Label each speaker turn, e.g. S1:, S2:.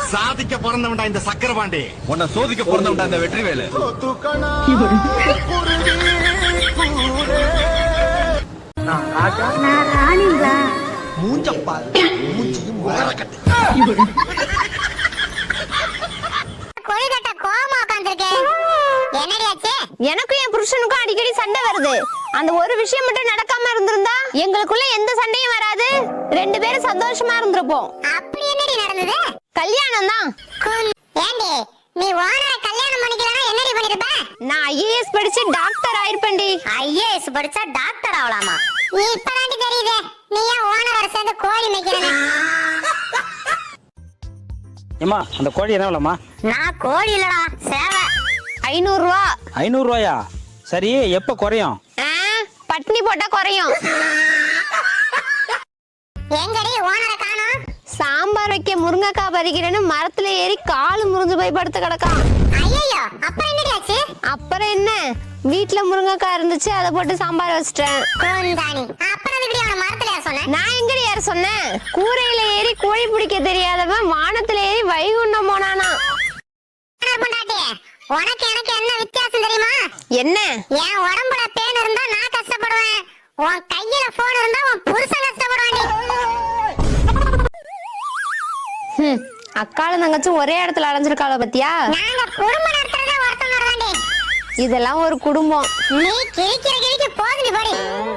S1: சாதிக்க பிறந்தவன்டா இந்த சக்கரபாண்டி.
S2: உன்னை சோதிக்க பிறந்தவன்டா இந்த வெற்றிவேலு.
S1: மூஞ்சப்பா மூஞ்சியும் முகரக்கட்டு.
S3: கொழுக்கட்டை கோவமா உட்கார்ந்திருக்கேன். என்னடி ஆச்சு?
S4: எனக்கும் என் புருஷனுக்கும் அடிக்கடி சண்டை வருது. அந்த ஒரு விஷயம் மட்டும் நடக்காம இருந்திருந்தா எங்களுக்குள்ள எந்த சண்டையும் வராது. 2 பேரும் சந்தோஷமா இருந்திருப்போம்.
S3: அப்படி என்னடி நடந்தது?
S4: கல்யாணம் தான்.
S3: ஏண்டி நீ ஓனரை கல்யாணம் பண்ணிக்கலனா என்னடி பண்ணிருப்ப?
S4: நான் ஐஏஎஸ் படிச்சு டாக்டர் ஆயிருப்பேன்டி.
S3: ஐஏஎஸ் படிச்சா டாக்டர் ஆகலாமா? நீ இப்பதாண்டி தெரியுதே நீ ஏன் ஓனரோட சேர்ந்து கோழி மேய்க்கிறேன்னு.
S5: ஏமா அந்த கோழி என்ன விலைமா?
S3: நான் கோழி இல்லடா சேவை.
S4: 500 ரூபா.
S5: 500 ரூபாயா? சரி, எப்ப குறையும்?
S4: பட்னி போட்டா குறையும்.
S3: எங்கடி ஓனரை காணோம்?
S4: சாம்பார் வைக்க முருங்கைக்காய் பறிக்கிறேன்னு மரத்துல ஏறி காலு முறிஞ்சு போய் படுத்து கிடக்கான்.
S3: ஐயோ அப்புறம் என்னடி ஆச்சு?
S4: அப்புறம் என்ன, வீட்டுல முருங்கைக்காய் இருந்துச்சு, அதை போட்டு சாம்பார் வச்சிட்டேன்.
S3: கோந்தானி அப்புறம் எப்படி அவன மரத்துல ஏற சொன்ன?
S4: நான் எங்கடி யார சொன்னேன்? கூரையில ஏறி கோழி பிடிக்க தெரியாதவன் வானத்துல ஏறி வைகுண்டம் போனானா.
S3: பொண்டாட்டி உனக்கு எனக்கு என்ன வித்தியாசம் தெரியுமா?
S4: என்ன?
S3: என் உடம்புல பேன் இருந்தா நான் கஷ்டப்படுவேன், உன் கையில போன் இருந்தா உன் புருஷன் கஷ்டப்படுவாண்டி.
S4: அக்கால தங்கச்சி ஒரே இடத்துல அலைஞ்சிருக்காள பத்தியா?
S3: நாங்க குடும்பம் நடத்துறதே ஒருத்தங்க வருவாண்டி.
S4: இதெல்லாம் ஒரு குடும்பம்.
S3: நீ கிழிக்கிற கிழிக்கு போகுது படி.